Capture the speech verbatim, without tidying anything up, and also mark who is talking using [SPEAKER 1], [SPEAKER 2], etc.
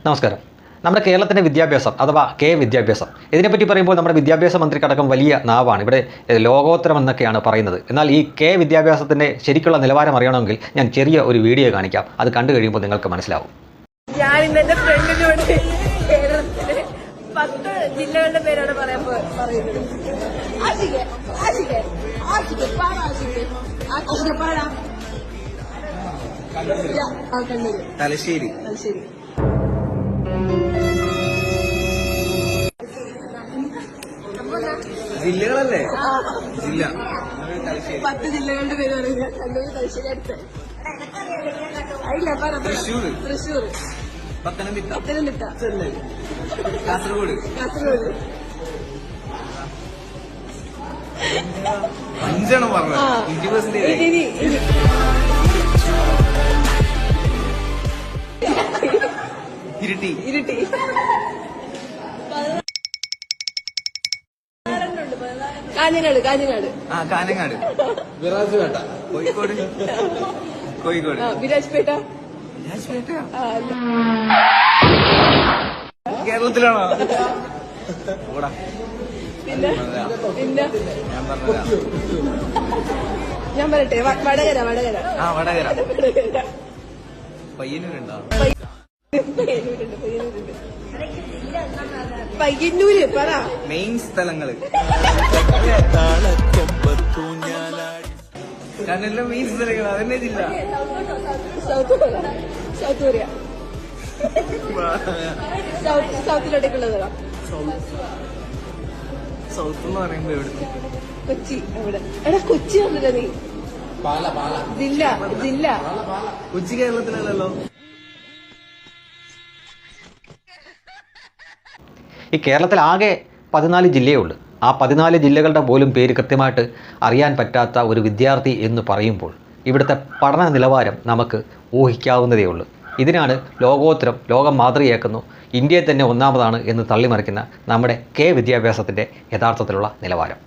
[SPEAKER 1] നമസ്കാരം. നമ്മുടെ കേരളത്തിൻ്റെ വിദ്യാഭ്യാസം അഥവാ കെ വിദ്യാഭ്യാസം ഇതിനെപ്പറ്റി പറയുമ്പോൾ നമ്മുടെ വിദ്യാഭ്യാസ മന്ത്രിക്കടക്കം വലിയ നാവാണ്. ഇവിടെ ലോകോത്തരം എന്നൊക്കെയാണ് പറയുന്നത്. എന്നാൽ ഈ കെ വിദ്യാഭ്യാസത്തിൻ്റെ ശരിക്കുള്ള നിലവാരം അറിയണമെങ്കിൽ ഞാൻ ചെറിയ ഒരു വീഡിയോ കാണിക്കാം. അത് കണ്ടു കഴിയുമ്പോൾ നിങ്ങൾക്ക് മനസ്സിലാവും.
[SPEAKER 2] ഞാൻ ഇന്ന് എന്റെ ഫ്രണ്ടിനോട് കേരളത്തിലെ പത്ത് ജില്ലകളുടെ പേരാണ് പറയാൻ പറയുന്നത്.
[SPEAKER 3] തലശ്ശേരി
[SPEAKER 2] തലശ്ശേരി
[SPEAKER 3] ജില്ലകളല്ലേ? ജില്ല
[SPEAKER 2] പത്ത് ജില്ലകളുടെ പേര് പറയുന്നത്. കണ്ണൂർ, തലശ്ശേരി, അടുത്ത്
[SPEAKER 3] തൃശ്ശൂർ,
[SPEAKER 2] തൃശ്ശൂർ,
[SPEAKER 3] പത്തനംതിട്ട,
[SPEAKER 2] പത്തനംതിട്ട,
[SPEAKER 3] കാസർഗോഡ്,
[SPEAKER 2] കാസർഗോഡ്.
[SPEAKER 3] അഞ്ചെണ്ണം പറഞ്ഞു. അഞ്ച് പെർസെന്റേജ്
[SPEAKER 2] ഇനി ഇനി
[SPEAKER 3] ഇരിട്ടി
[SPEAKER 2] ഇരുട്ടി കാഞ്ഞങ്ങാട് കാഞ്ഞങ്ങാട്
[SPEAKER 3] ആ കാനങ്ങാട് വിറാജുപേട്ട കോഴിക്കോട് കോഴിക്കോട്
[SPEAKER 2] വിരാജ്പേട്ട
[SPEAKER 3] രാജ്പേട്ട
[SPEAKER 2] ആ,
[SPEAKER 3] കേരളത്തിലാണോ? ഓടാ
[SPEAKER 2] പിന്നെ പിന്നെ
[SPEAKER 3] ഞാൻ പറഞ്ഞതാ.
[SPEAKER 2] ഞാൻ പറയട്ടെ വ- വടകര വടകര
[SPEAKER 3] ആ വടകര
[SPEAKER 2] വടകര
[SPEAKER 3] പയ്യന്നൂരുണ്ടോ?
[SPEAKER 2] പയ്യന്നൂരുണ്ട് പയ്യന്നൂരുണ്ട് പയ്യന്നൂര് പറ.
[SPEAKER 3] മെയിൻ സ്ഥലങ്ങള് കണ്ണൂരിലെ മെയിൻ സ്ഥലങ്ങൾ അതന്നെ ജില്ല.
[SPEAKER 2] South Korea South Korea south സൗത്തിലോട്ടേക്കുള്ളത്
[SPEAKER 3] സൗത്ത് എന്ന് പറയുമ്പോ എവിടെ?
[SPEAKER 2] കൊച്ചി അവിടെ എടാ കൊച്ചി വന്നില്ല നീ ജില്ല ജില്ല
[SPEAKER 3] കൊച്ചി കേരളത്തിലല്ലല്ലോ.
[SPEAKER 1] ഈ കേരളത്തിൽ ആകെ പതിനാല് ജില്ലയേ ഉള്ളൂ. ആ പതിനാല് ജില്ലകളുടെ പോലും പേര് കൃത്യമായിട്ട് അറിയാൻ പറ്റാത്ത ഒരു വിദ്യാർത്ഥി എന്ന് പറയുമ്പോൾ ഇവിടുത്തെ പഠന നിലവാരം നമുക്ക് ഊഹിക്കാവുന്നതേ ഉള്ളൂ. ഇതിനാണ് ലോകോത്തരം, ലോകം മാതൃകയാക്കുന്നു, ഇന്ത്യയെ തന്നെ ഒന്നാമതാണ് എന്ന് തള്ളിമറിക്കുന്ന നമ്മുടെ കെ വിദ്യാഭ്യാസത്തിൻ്റെ യഥാർത്ഥത്തിലുള്ള നിലവാരം.